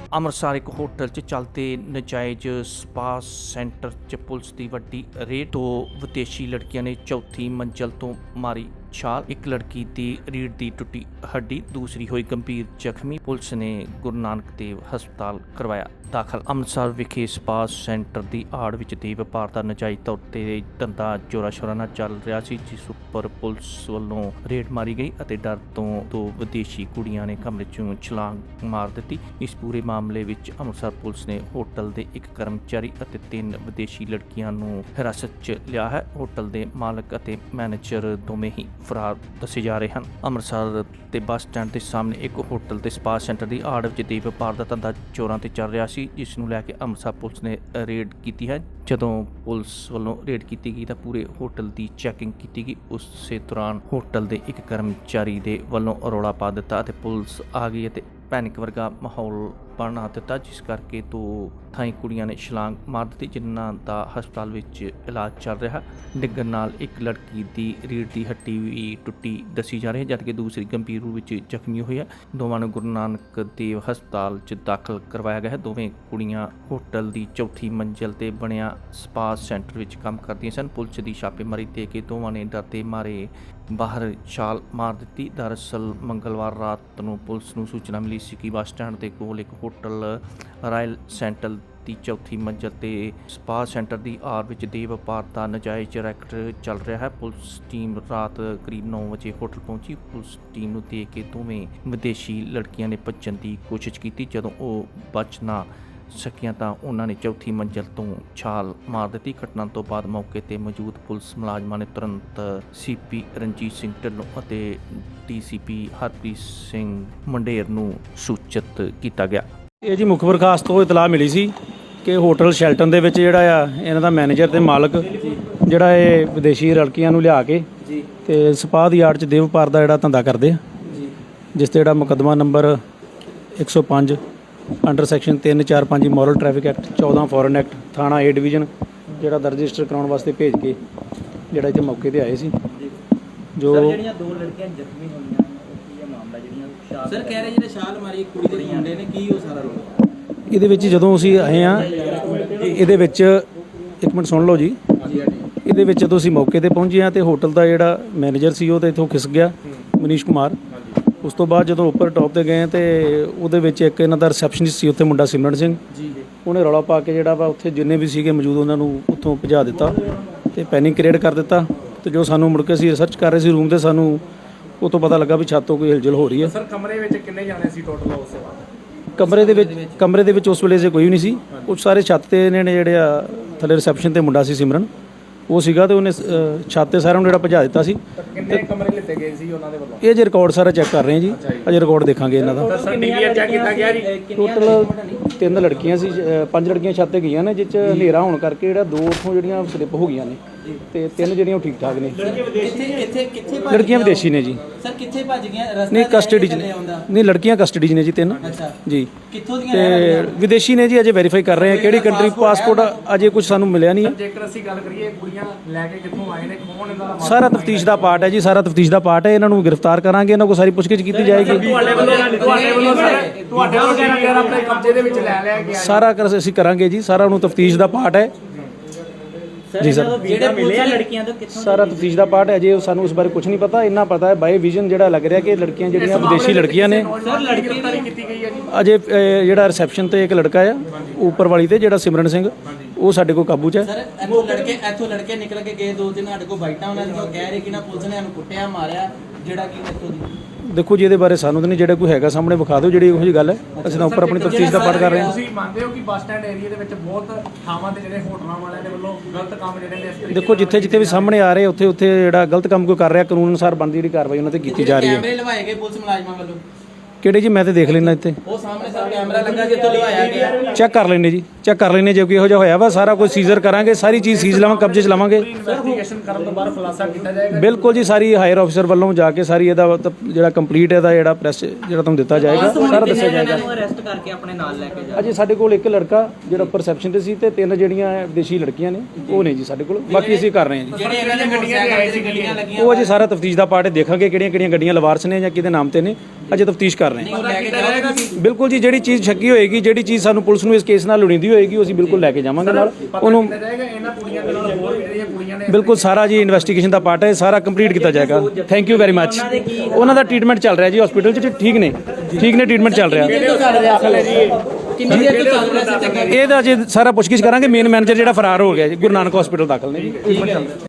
ਅੰਮ੍ਰਿਤਸਰ ਇੱਕ ਹੋਟਲ 'ਚ ਚੱਲਦੇ ਨਜਾਇਜ਼ ਸਪਾ ਸੈਂਟਰ 'ਚ ਪੁਲਿਸ ਦੀ ਵੱਡੀ ਰੇਡ। ਦੋ ਵਿਦੇਸ਼ੀ ਲੜਕੀਆਂ ਨੇ ਚੌਥੀ ਮੰਜ਼ਲ ਤੋਂ ਮਾਰੀ ਛਾਲ। ਇੱਕ ਲੜਕੀ ਦੀ ਰੀੜ੍ਹ ਦੀ ਟੁੱਟੀ ਹੱਡੀ, ਦੂਸਰੀ ਹੋਈ ਗੰਭੀਰ ਜ਼ਖਮੀ। ਪੁਲਿਸ ਨੇ ਗੁਰੂ ਨਾਨਕ ਦੇਵ ਹਸਪਤਾਲ ਕਰਵਾਇਆ ਦਾਖਲ। ਅੰਮ੍ਰਿਤਸਰ ਵਿਖੇ ਸਪਾ ਸੈਂਟਰ ਦੀ ਆੜ ਵਿੱਚ ਦੇ ਵਪਾਰ ਦਾ ਨਜਾਇਜ਼ ਤੌਰ ਤੇ ਧੰਦਾ ਜ਼ੋਰਾਂ ਸ਼ੋਰਾਂ ਨਾਲ ਚੱਲ ਰਿਹਾ ਸੀ, ਜਿਸ ਉੱਪਰ ਪੁਲਿਸ ਵੱਲੋਂ ਰੇਡ ਮਾਰੀ ਗਈ ਅਤੇ ਡਰ ਤੋਂ ਦੋ ਵਿਦੇਸ਼ੀ ਕੁੜੀਆਂ ਨੇ ਕਮਰੇ 'ਚੋਂ ਛਲਾਂਗ ਮਾਰ ਦਿੱਤੀ। ਇਸ ਪੂਰੇ ਮਾਮਲੇ ਵਿੱਚ ਅੰਮ੍ਰਿਤਸਰ ਪੁਲਿਸ ਨੇ ਹੋਟਲ ਦੇ ਇੱਕ ਕਰਮਚਾਰੀ ਅਤੇ 3 ਵਿਦੇਸ਼ੀ ਲੜਕੀਆਂ ਨੂੰ ਹਿਰਾਸਤ 'ਚ ਲਿਆ ਹੈ। ਹੋਟਲ ਦੇ ਮਾਲਕ ਅਤੇ ਮੈਨੇਜਰ ਦੋਵੇਂ ਹੀ ਫਰਾਰ ਦੱਸੇ ਜਾ ਰਹੇ ਹਨ। ਅੰਮ੍ਰਿਤਸਰ ਤੇ ਬੱਸ ਸਟੈਂਡ ਦੇ ਸਾਹਮਣੇ ਇੱਕ ਹੋਟਲ ਤੇ ਸਪਾ ਸੈਂਟਰ ਦੀ ਆੜ ਵਿੱਚ ਦੇ ਵਪਾਰ ਦਾ ਧੰਦਾ ਜ਼ੋਰਾਂ ਤੇ ਚੱਲ ਰਿਹਾ ਸੀ, ਜਿਸ ਨੂੰ ਲੈ ਕੇ ਅੰਮ੍ਰਿਤਸਰ ਪੁਲਿਸ ਨੇ ਰੇਡ ਕੀਤੀ ਹੈ। ਜਦੋਂ ਪੁਲਿਸ ਵੱਲੋਂ ਰੇਡ ਕੀਤੀ ਗਈ ਤਾਂ ਪੂਰੇ ਹੋਟਲ ਦੀ ਚੈਕਿੰਗ ਕੀਤੀ ਗਈ। ਉਸੇ ਦੌਰਾਨ ਹੋਟਲ ਦੇ ਇੱਕ ਕਰਮਚਾਰੀ ਦੇ ਵੱਲੋਂ ਰੌਲਾ ਪਾ ਦਿੱਤਾ ਅਤੇ ਪੁਲਿਸ ਆ ਗਈ ਅਤੇ ਪੈਨਿਕ ਵਰਗਾ ਮਾਹੌਲ ਬਣਾ ਦਿੱਤਾ, ਜਿਸ ਕਰਕੇ ਦੋ ਥਾਈਂ ਕੁੜੀਆਂ ਨੇ ਛਲਾਂਗ ਮਾਰ ਦਿੱਤੀ, ਜਿਨ੍ਹਾਂ ਦਾ ਹਸਪਤਾਲ ਵਿੱਚ ਇਲਾਜ ਚੱਲ ਰਿਹਾ। ਡਿੱਗਣ ਨਾਲ ਇੱਕ ਲੜਕੀ ਦੀ ਰੀੜ੍ਹ ਦੀ ਹੱਡੀ ਵੀ ਟੁੱਟੀ ਦੱਸੀ ਜਾ ਰਹੀ ਹੈ, ਜਦਕਿ ਦੂਸਰੀ ਗੰਭੀਰ ਰੂਪ ਵਿੱਚ ਜ਼ਖਮੀ ਹੋਈ ਹੈ। ਦੋਵਾਂ ਨੂੰ ਗੁਰੂ ਨਾਨਕ ਦੇਵ ਹਸਪਤਾਲ 'ਚ ਦਾਖਲ ਕਰਵਾਇਆ ਗਿਆ ਹੈ। ਦੋਵੇਂ ਕੁੜੀਆਂ ਹੋਟਲ ਦੀ ਚੌਥੀ ਮੰਜ਼ਿਲ ਤੇ ਬਣਿਆ ਸਪਾ ਸੈਂਟਰ ਵਿੱਚ ਕੰਮ ਕਰਦੀਆਂ ਸਨ। ਪੁਲਿਸ ਦੀ ਛਾਪੇਮਾਰੀ ਦੇ ਕੇ ਦੋਵਾਂ ਨੇ ਡਰਦੇ ਮਾਰੇ ਬਾਹਰ ਛਾਲ ਮਾਰ ਦਿੱਤੀ। ਦਰਅਸਲ ਮੰਗਲਵਾਰ ਰਾਤ ਨੂੰ ਪੁਲਿਸ ਨੂੰ ਸੂਚਨਾ ਮਿਲੀ ਸੀ ਕਿ ਬੱਸ ਸਟੈਂਡ ਦੇ ਕੋਲ ਇੱਕ ਹੋਟਲ ਰਾਇਲ ਸੈਂਟਰ ਦੀ ਚੌਥੀ ਮੰਜ਼ਿਲ ਤੇ ਸਪਾ ਸੈਂਟਰ ਦੀ ਆੜ ਵਿੱਚ ਦੇ ਵਪਾਰ ਦਾ ਨਜਾਇਜ਼ ਰੈਕਟ ਚੱਲ ਰਿਹਾ ਹੈ। ਪੁਲਿਸ ਟੀਮ ਰਾਤ ਕਰੀਬ 9 ਵਜੇ ਹੋਟਲ ਪਹੁੰਚੀ। ਪੁਲਿਸ ਟੀਮ ਨੂੰ ਦੇਖ ਕੇ ਦੋਵੇਂ ਵਿਦੇਸ਼ੀ ਲੜਕੀਆਂ ਨੇ ਭੱਜਣ ਦੀ ਕੋਸ਼ਿਸ਼ ਕੀਤੀ। ਜਦੋਂ ਉਹ ਬਚ ਨਾ ਸਕੀਆਂ ਤਾਂ ਉਹਨਾਂ ਨੇ ਚੌਥੀ ਮੰਜ਼ਿਲ ਤੋਂ ਛਾਲ ਮਾਰ ਦਿੱਤੀ। ਘਟਨਾ ਤੋਂ ਬਾਅਦ ਮੌਕੇ ਤੇ ਮੌਜੂਦ ਪੁਲਿਸ ਮੁਲਾਜ਼ਮਾਂ ਨੇ ਤੁਰੰਤ ਸੀਪੀ ਰਣਜੀਤ ਸਿੰਘ ਢਿੱਲੋਂ ਅਤੇ ਡੀਸੀਪੀ ਹਰਪ੍ਰੀਤ ਸਿੰਘ ਮੰਡੇਰ ਨੂੰ ਸੂਚਿਤ ਕੀਤਾ ਗਿਆ। ਇਹ ਜੀ ਮੁਖਬਰ ਖਾਸ ਤੋਂ ਇਤਲਾਹ ਮਿਲੀ ਸੀ ਕਿ ਹੋਟਲ ਸ਼ੈਲਟਨ ਦੇ ਵਿੱਚ ਜਿਹੜਾ ਆ ਇਹਨਾਂ ਦਾ ਮੈਨੇਜਰ ਤੇ ਮਾਲਕ ਜਿਹੜਾ ਇਹ ਵਿਦੇਸ਼ੀ ਲੜਕੀਆਂ ਨੂੰ ਲਿਆ ਕੇ ਤੇ ਸਪਾ ਦੀ ਆੜ 'ਚ ਦੇ ਵਪਾਰ ਦਾ ਜਿਹੜਾ ਧੰਦਾ ਕਰਦੇ ਆ, ਜਿਸ ਤੇ ਜਿਹੜਾ ਮੁਕੱਦਮਾ number 105 under section 345 moral traffic act 14 foreign act ਥਾਣਾ ਏ ਡਿਵੀਜ਼ਨ ਜਿਹੜਾ ਦਰਜ ਰਜਿਸਟਰ ਕਰਾਉਣ ਵਾਸਤੇ ਭੇਜ ਕੇ ਜਿਹੜਾ ਇੱਥੇ ਮੌਕੇ ਤੇ ਆਏ ਸੀ। ਜੋ ਜਿਹੜੀਆਂ ਦੋ ਲੜਕੀਆਂ ਜ਼ਖਮੀ ਹੋਈਆਂ ਉਹ ਕੀ ਮਾਮਲਾ, ਜਿਹੜੀਆਂ ਸਰ ਕਹਿ ਰਹੇ ਜਿਹੜੇ ਛਾਲ ਮਾਰੀ ਕੁੜੀ ਦੇ ਮੁੰਡੇ ਨੇ, ਕੀ ਉਹ ਸਾਰਾ ਰੋਲ? ਇਹਦੇ ਵਿੱਚ ਜਦੋਂ ਅਸੀਂ ਆਏ ਆ ਇਹਦੇ ਵਿੱਚ ਇੱਕ ਮਿੰਟ ਸੁਣ ਲਓ ਜੀ। ਇਹਦੇ ਵਿੱਚ ਜਦੋਂ ਅਸੀਂ ਮੌਕੇ ਤੇ ਪਹੁੰਚੇ ਆ ਤੇ ਹੋਟਲ ਦਾ ਜਿਹੜਾ ਮੈਨੇਜਰ ਸੀ ਉਹ ਤਾਂ ਇੱਥੋਂ ਖਿਸ ਗਿਆ, ਮਨੀਸ਼ ਕੁਮਾਰ। ਉਸ ਤੋਂ ਬਾਅਦ ਜਦੋਂ ਉੱਪਰ ਟੌਪ ਤੇ ਗਏ ਤੇ ਉਹਦੇ ਵਿੱਚ ਇੱਕ ਇਹਨਾਂ ਦਾ ਰਿਸੈਪਸ਼ਨਿਸਟ ਸੀ ਉੱਥੇ ਮੁੰਡਾ ਸਿਮਰਨ ਸਿੰਘ, ਉਹਨੇ ਰੌਲਾ ਪਾ ਕੇ ਜਿਹੜਾ ਵਾ ਉੱਥੇ ਜਿੰਨੇ ਵੀ ਸੀਗੇ ਮੌਜੂਦ ਉਹਨਾਂ ਨੂੰ ਉੱਥੋਂ ਭਜਾ ਦਿੱਤਾ ਤੇ ਪੈਨਿਕ ਕ੍ਰੀਏਟ ਕਰ ਦਿੱਤਾ। ਤੇ ਜੋ ਸਾਨੂੰ ਮੁੜ ਕੇ ਅਸੀਂ ਰਿਸਰਚ ਕਰ ਰਹੇ ਸੀ ਰੂਮ ਤੇ, ਸਾਨੂੰ ਉਹ ਤੋਂ ਪਤਾ ਲੱਗਾ ਵੀ ਛੱਤ ਤੋਂ ਕੋਈ ਹਿਲਜੁਲ ਹੋ ਰਹੀ ਹੈ। ਸਰ ਕਮਰੇ ਵਿੱਚ ਕਿੰਨੇ ਜਾਣੇ ਸੀ ਟੋਟਲ ਉਸ ਤੋਂ ਬਾਅਦ? ਕਮਰੇ ਦੇ ਵਿੱਚ ਉਸ ਵੇਲੇ ਜੇ ਕੋਈ ਵੀ ਨਹੀਂ ਸੀ। ਉਹ ਸਾਰੇ ਛੱਤ ਤੇ ਇਹਨਾਂ ਨੇ ਜਿਹੜੇ ਆ ਥੱਲੇ ਰਿਸੈਪਸ਼ਨ ਤੇ ਮੁੰਡਾ ਸੀ ਸਿਮਰਨ, ਉਹ ਸੀਗਾ ਤੇ ਉਹਨੇ ਛੱਤ ਤੇ ਸਾਰਿਆਂ ਨੂੰ ਜਿਹੜਾ ਭਜਾ ਦਿੱਤਾ ਸੀ। ਕਿੰਨੇ ਕਮਰੇ ਲਿੱਤੇ ਗਏ ਸੀ ਉਹਨਾਂ ਦੇ ਵੱਲੋਂ? ਇਹ ਜੇ ਰਿਕਾਰਡ ਸਾਰਾ ਚੈੱਕ ਕਰ ਰਹੇ ਹਾਂ ਜੀ, ਅਜੇ ਰਿਕਾਰਡ ਦੇਖਾਂਗੇ ਇਹਨਾਂ ਦਾ। ਸਰ ਡੀਵੀਆਰ ਚੈੱਕ ਕੀਤਾ ਗਿਆ ਜੀ। ਟੋਟਲ 3 ਲੜਕੀਆਂ ਸੀ, 5 ਲੜਕੀਆਂ ਛੱਤ ਤੇ ਗਈਆਂ ਨੇ, ਜਿਸ 'ਚ ਹਨੇਰਾ ਹੋਣ ਕਰਕੇ ਜਿਹੜਾ 2 ਉੱਥੋਂ ਜਿਹੜੀਆਂ ਸਲਿੱਪ ਹੋ ਗਈਆਂ ਨੇ ਤੇ 3 ਜਿਹੜੀਆਂ ਉਹ ਠੀਕ ਠਾਕ ਨੇ। ਕਿੱਥੇ ਲੜਕੀਆਂ ਵਿਦੇਸ਼ੀ ਨੇ ਜੀ। ਸਰ ਕਿੱਥੇ ਭੱਜ ਗਈਆਂ? ਰਸਤਾ ਨਹੀਂ ਕਸਟਡੀ 'ਚ ਨਹੀਂ, ਲੜਕੀਆਂ ਕਸਟਡੀ 'ਚ ਨੇ ਜੀ 3 ਜੀ। ਕਿੱਥੋਂ ਦੀਆਂ ਤੇ ਵਿਦੇਸ਼ੀ ਨੇ ਜੀ, ਅਜੇ ਵੈਰੀਫਾਈ ਕਰ ਰਹੇ ਆ ਕਿਹੜੀ ਕੰਟਰੀ ਪਾਸਪੋਰਟ ਅਜੇ ਕੁਝ ਸਾਨੂੰ ਮਿਲਿਆ ਨਹੀਂ ਹੈ। ਜੇਕਰ ਅਸੀਂ ਗੱਲ ਕਰੀਏ ਕੁੜੀਆਂ ਲੈ ਕੇ ਕਿੱਥੋਂ ਆਏ ਨੇ, ਕੌਣ ਇਹਨਾਂ ਦਾ ਸਾਰਾ ਤਫਤੀਸ਼ ਦਾ ਪਾਰਟ ਹੈ ਜੀ, ਸਾਰਾ ਤਫਤੀਸ਼ ਦਾ ਪਾਰਟ ਹੈ। ਇਹਨਾਂ ਨੂੰ ਗ੍ਰਿਫਤਾਰ ਕਰਾਂਗੇ, ਇਹਨਾਂ ਕੋਲ ਸਾਰੀ ਪੁੱਛਗਿੱਛ ਕੀਤੀ ਜਾਏਗੀ। ਤੁਹਾਡੇ ਵੱਲੋਂ ਸਰ ਆਪਣੇ ਕਬਜ਼ੇ ਦੇ ਵਿੱਚ ਲੈ ਲਿਆ ਗਿਆ ਸਾਰਾ ਅਸੀਂ ਕਰਾਂਗੇ ਜੀ, ਸਾਰਾ ਉਹਨੂੰ ਤਫਤੀਸ਼ ਦਾ ਪਾਰਟ ਹੈ ਜੀ ਸਰ। ਜਿਹੜੇ ਮਿਲੇ ਲੜਕੀਆਂ ਤੋਂ ਕਿੱਥੋਂ? ਸਾਰਾ ਤਫਤੀਸ਼ ਦਾ ਪਾਰਟ ਹੈ ਜੀ, ਸਾਨੂੰ ਇਸ ਬਾਰੇ ਕੁਝ ਨਹੀਂ ਪਤਾ। ਇੰਨਾ ਪਤਾ ਹੈ ਬਾਈ ਵਿਜ਼ਨ ਜਿਹੜਾ ਲੱਗ ਰਿਹਾ ਕਿ ਲੜਕੀਆਂ ਜਿਹੜੀਆਂ ਵਿਦੇਸ਼ੀ ਲੜਕੀਆਂ ਨੇ। ਸਰ ਲੜਕੀ ਗ੍ਰਿਫਤਾਰੀ ਕੀਤੀ ਗਈ ਹੈ ਜੀ। ਅਜੇ ਜਿਹੜਾ ਰਿਸੈਪਸ਼ਨ ਤੇ ਇੱਕ ਲੜਕਾ ਆ ਉੱਪਰ ਵਾਲੀ ਤੇ ਜਿਹੜਾ ਸਿਮਰਨ ਸਿੰਘ, ਉਹ ਸਾਡੇ ਕੋਲ ਕਾਬੂ 'ਚ ਹੈ। ਸਰ ਇੱਥੋਂ ਲੜਕੇ ਨਿਕਲ ਕੇ ਗਏ 2-3 ਸਾਡੇ ਕੋਲ ਬਾਈਟਾਂ ਉਹਨਾਂ ਦੀਆਂ, ਉਹ ਕਹਿ ਰਹੇ ਕਿ ਨਾ ਪੁਲਿਸ ਨੇ ਇਹਨੂੰ ਕੁੱਟਿਆ ਮਾਰਿਆ, ਜਿਹੜਾ ਕਿ ਇੱਥੋਂ ਦੀ। ਦੇਖੋ ਜੀ ਇਹਦੇ ਬਾਰੇ ਸਾਨੂੰ ਤਾਂ ਨਹੀਂ, ਜਿਹੜਾ ਕੋਈ ਹੈਗਾ ਸਾਹਮਣੇ ਵਿਖਾ ਦਿਓ ਜਿਹੜੀ ਇਹੋ ਜਿਹੀ ਗੱਲ ਹੈ। ਅਸੀਂ ਤਾਂ ਉੱਪਰ ਆਪਣੀ ਤਫਤੀਸ਼ ਦਾ ਪਾਰਟ ਕਰ ਰਹੇ ਹਾਂ। ਤੁਸੀਂ ਮੰਨਦੇ ਹੋ ਕਿ ਬੱਸ ਸਟੈਂਡ ਏਰੀਆ ਦੇ ਵਿੱਚ ਬਹੁਤ ਥਾਵਾਂ ਤੇ ਜਿਹੜੇ ਹੋਟਲਾਂ ਵਾਲਿਆਂ ਦੇ ਵੱਲੋਂ ਗਲਤ ਕੰਮ ਜਿਹੜੇ ਨੇ ਇਸ ਤਰੀਕੇ ਦੇਖੋ ਜਿੱਥੇ ਵੀ ਸਾਹਮਣੇ ਆ ਰਹੇ ਉੱਥੇ ਜਿਹੜਾ ਗਲਤ ਕੰਮ ਕੋਈ ਕਰ ਰਿਹਾ, ਕਾਨੂੰਨ ਅਨੁਸਾਰ ਬਣਦੀ ਜਿਹੜੀ ਕਾਰਵਾਈ ਉਹਨਾਂ ਤੇ ਕੀਤੀ ਜਾ ਰਹੀ ਹੈ। ਕੈਮਰੇ ਲਵਾਏ ਗਏ ਪੁਲਿਸ ਮੁਲਾਜ਼ਮਾਂ ਵੱਲੋਂ? ਕਿਹੜੇ ਜੀ? ਮੈਂ ਤੇ ਦੇਖ ਲੈਣਾ ਇੱਥੇ ਉਹ ਸਾਹਮਣੇ ਸਰ ਕੈਮਰਾ ਲੱਗਾ ਜਿੱਥੋਂ ਲਵਾਇਆ ਗਿਆ। ਚੈੱਕ ਕਰ ਲੈਣੇ ਜੀ, ਚੈੱਕ ਕਰ ਲੈਣੇ। ਜੇ ਕੋਈ ਇਹੋ ਜਿਹਾ ਹੋਇਆ ਵਾ ਸਾਰਾ ਕੁਝ ਸੀਜ਼ਰ ਕਰਾਂਗੇ, ਸਾਰੀ ਚੀਜ਼ ਸੀਜ਼ ਲਾਵਾਂ, ਕਬਜ਼ੇ 'ਚ ਲਵਾਂਗੇ। ਇਨਵੈਸਟੀਗੇਸ਼ਨ ਕਰਨ ਤੋਂ ਬਾਅਦ ਖੁਲਾਸਾ ਕੀਤਾ ਜਾਏਗਾ। ਬਿਲਕੁਲ ਜੀ, ਸਾਰੀ ਹਾਇਰ ਆਫੀਸਰ ਵੱਲੋਂ ਜਾ ਕੇ ਸਾਰੀ ਇਹਦਾ ਜਿਹੜਾ ਕੰਪਲੀਟ ਇਹਦਾ ਜਿਹੜਾ ਪ੍ਰੈਸ ਜਿਹੜਾ ਤੁਹਾਨੂੰ ਦਿੱਤਾ ਜਾਏਗਾ, ਸਾਰਾ ਦੱਸਿਆ ਜਾਏਗਾ। ਅਰੈਸਟ ਕਰਕੇ ਆਪਣੇ ਨਾਲ ਲੈ ਕੇ ਜਾ। ਅਜੇ ਸਾਡੇ ਕੋਲ ਇੱਕ ਲੜਕਾ ਜਿਹੜਾ ਪਰਸੈਪਸ਼ਨ ਤੇ ਸੀ ਤੇ 3 ਜਿਹੜੀਆਂ ਵਿਦੇਸ਼ੀ ਲੜਕੀਆਂ ਨੇ ਉਹ ਨੇ ਜੀ ਸਾਡੇ ਕੋਲ। ਬਾਕੀ ਅਸੀਂ ਕਰ ਰਹੇ ਹਾਂ ਜੀ। ਜਿਹੜੇ ਇਹਨਾਂ ਦੇ ਮੋਟਰਸਾਈਕਲ ਤੇ ਗੱਡੀਆਂ ਲੱਗੀਆਂ, ਉਹ ਅਜੇ ਸਾਰਾ ਤਫਤੀਸ਼ ਦਾ ਪਾਰਟ ਦੇਖਾਂਗੇ ਕਿਹੜੀਆਂ ਗੱਡੀਆਂ ਲਵਾਰਸ ਨੇ ਜਾਂ ਕਿਹਦੇ ਨਾਮ ਤੇ ਨੇ। ਅਜੇ ਤਫਤੀਸ਼ ਕਰ ਕਰ ਰਹੇ ਹਾਂ। ਲੈ ਕੇ ਜਾਏਗਾ ਤੁਸੀਂ? ਬਿਲਕੁਲ ਜੀ, ਜਿਹੜੀ ਚੀਜ਼ ਸ਼ੱਕੀ ਹੋਏਗੀ, ਜਿਹੜੀ ਚੀਜ਼ ਸਾਨੂੰ ਪੁਲਿਸ ਨੂੰ ਇਸ ਕੇਸ ਨਾਲ ਲੋੜੀਂਦੀ ਹੋਏਗੀ, ਉਹ ਅਸੀਂ ਬਿਲਕੁਲ ਲੈ ਕੇ ਜਾਵਾਂਗੇ ਨਾਲ ਉਹਨੂੰ। ਰਹੇਗਾ ਇਹਨਾਂ ਕੁੜੀਆਂ ਦੇ ਨਾਲ ਹੋਰ ਵੀ ਜਿਹੜੀਆਂ ਕੁੜੀਆਂ ਨੇ ਬਿਲਕੁਲ ਸਾਰਾ ਜੀ ਇਨਵੈਸਟੀਗੇਸ਼ਨ ਦਾ ਪਾਰਟ ਹੈ, ਸਾਰਾ ਕੰਪਲੀਟ ਕੀਤਾ ਜਾਏਗਾ। Thank you very much. ਉਹਨਾਂ ਦਾ ਟ੍ਰੀਟਮੈਂਟ ਚੱਲ ਰਿਹਾ ਜੀ ਹਸਪੀਟਲ 'ਚ, ਠੀਕ ਨੇ ਟ੍ਰੀਟਮੈਂਟ ਚੱਲ ਰਿਹਾ। ਕਿੰਨੀ ਦੇਰ ਤੋਂ ਚੱਲ ਰਿਹਾ ਸੀ? ਇਹਦਾ ਜੇ ਸਾਰਾ ਪੁੱਛਗਿੱਛ ਕਰਾਂਗੇ। ਮੇਨ ਮੈਨੇਜਰ ਜਿਹੜਾ ਫਰਾਰ ਹੋ ਗਿਆ ਜੀ, ਗੁਰੂ ਨਾਨਕ ਹਸਪੀਟਲ ਦਾਖਲ ਨੇ ਜੀ।